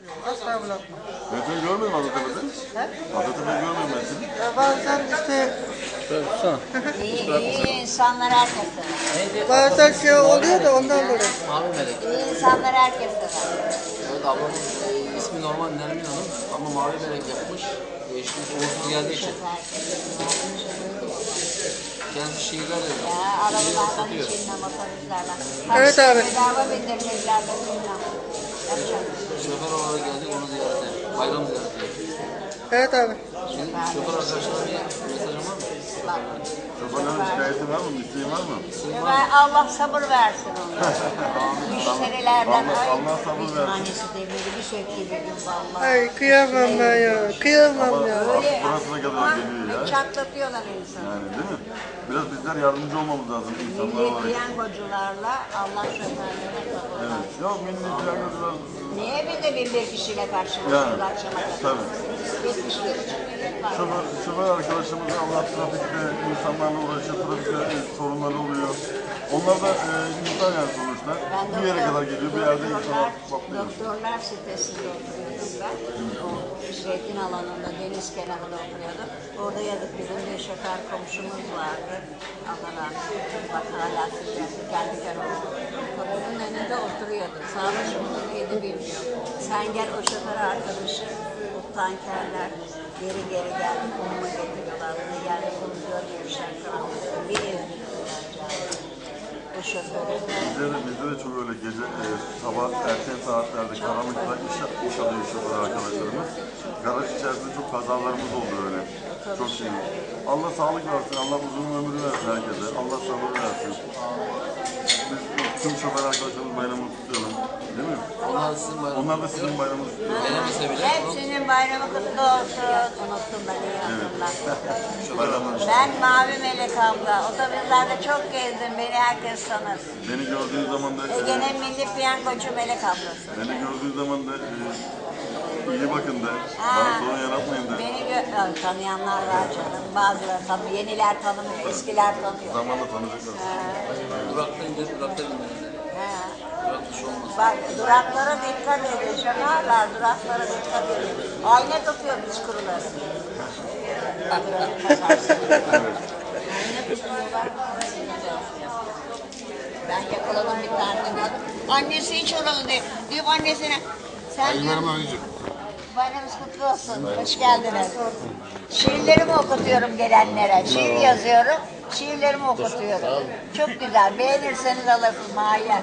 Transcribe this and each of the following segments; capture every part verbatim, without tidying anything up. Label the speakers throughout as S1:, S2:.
S1: Asla bırakmam.
S2: Ben seni görmedim Atatürk'te.
S1: He?
S2: Atatürk'te görmedim ben seni.
S1: Ya bazen işte
S3: İyi, iyi insanlar herkes sever.
S1: bazen şey oluyor da ondan dolayı.
S4: Mavi melek.
S3: İyi insanlar herkes sever.
S4: Evet, ablamın e, ismi normal Nermin Hanım ama mavi melek yapmış. Değişmiş, uğursuz geldiği için. Kendisi şiirler yazıyor.
S3: Ya
S4: Şiir
S3: arabalardan
S4: satıyor.
S3: içinden motoristlerden.
S1: Evet abi.
S3: Bedava bindirmekler de bilmem. Yapacak.
S4: Şoför olarak geldik onu ziyarete. Bayram ziyareti.
S1: Evet abi.
S4: Şimdi şoför arkadaşlara bir mesajım var mı?
S2: Şoförlerin şikayeti var mı? İsteği var mı?
S3: Ve Allah sabır versin onlara. Müşterilerden
S2: Allah-
S3: ay
S2: Allah sabır
S3: bir
S2: versin.
S3: tanesi demiri bir şekilde dedim vallahi.
S1: Ay kıyamam ben ya. Kıyamam ya.
S3: Öyle
S2: Burasına kadar geliyor ya.
S3: çatlatıyorlar insanı.
S2: Yani değil mi? Biraz bizler yardımcı olmamız lazım insanlar
S3: Milli
S2: olarak.
S3: piyangocularla Allah şoförlere sabır
S2: Evet.
S3: versin.
S2: Ya milli piyangocular...
S3: Niye bir de bin bir kişiyle
S2: Yani,
S3: karşılaşıyorlar akşama kadar?
S2: tabii.
S3: yetmiş bir buçuk milyon var.
S2: Şoför, şoför arkadaşımız Allah trafikte insanlarla uğraşıyor, trafikte e, sorunları oluyor. Onlar da e, insan yani sonuçta.
S3: Ben
S2: Bir yere
S3: doktor-
S2: kadar geliyor, bir yerde
S3: doktorlar-
S2: insanlar patlıyor.
S3: Doktorlar sitesinde oturuyordum ben. O zeytin alanında, deniz kenarında oturuyordum. Orada yazık bizim bir şoför komşumuz vardı. Allah rahmet eylesin. Bak hala sıcak. Kendi kenarında. Kapının önünde oturuyordu. Sağlık mıdır neydi bilmiyorum. Sen gel o şoför arkadaşı, o tankerler geri geri geldi. Konumu getiriyorlar. Bunu geldi, bunu görmemişler. Karanlıkta bir ezdiriyorlar canım. O şoförü.
S2: Bizde de, bizde de çok öyle gece, e, sabah erken saatlerde karanlıkta iş, iş alıyor şoför arkadaşlarımız. Garaj içerisinde çok kazalarımız oldu öyle. Çok şey. Allah sağlık versin, Allah uzun ömür versin herkese. Allah sabır versin. Biz tüm şoför arkadaşlarımız bayramını kutlayalım. Değil mi?
S4: Onlar sizin bayramınız.
S2: Onlar da sizin bayramınızı kutluyor.
S4: Gelemese bile
S3: Hepsinin bayramı kutlu olsun. Unuttum ben iyi hatırlattın.
S2: Bayramlar.
S3: Ben Mavi Melek abla. Otobüslerde çok gezdim. Beni herkes tanır.
S2: Beni gördüğün zaman da, e,
S3: Ege'nin milli piyangocu Melek ablası.
S2: beni gördüğün zaman da e, iyi bakın da, bana sorun yaratmayın da.
S3: Beni gö Ö, tanıyanlar var canım. Bazıları tanıyor. Yeniler tanımıyor. Eskiler tanıyor.
S2: Zamanla tanıyacaklar.
S4: durakta indir, durakta bindirin.
S3: Ha.
S4: Durakta şu olmaz.
S3: Bak duraklara dikkat edin. Şoförler duraklara dikkat edin. Ayna tutuyor biz kuruları. Ben yakaladım bir tane kadın. Annesi hiç oralı değil. Diyor annesine sen diyor, bayramınız kutlu olsun. Hoş geldiniz. Şiirlerimi okutuyorum gelenlere. Şiir yazıyorum. Şiirlerimi okutuyorum. Çok güzel. Beğenirseniz alırsınız mahiyet.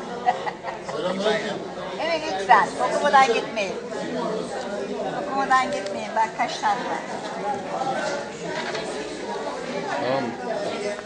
S3: Evet lütfen. Okumadan gitmeyin. Okumadan gitmeyin. Bak kaç tane var.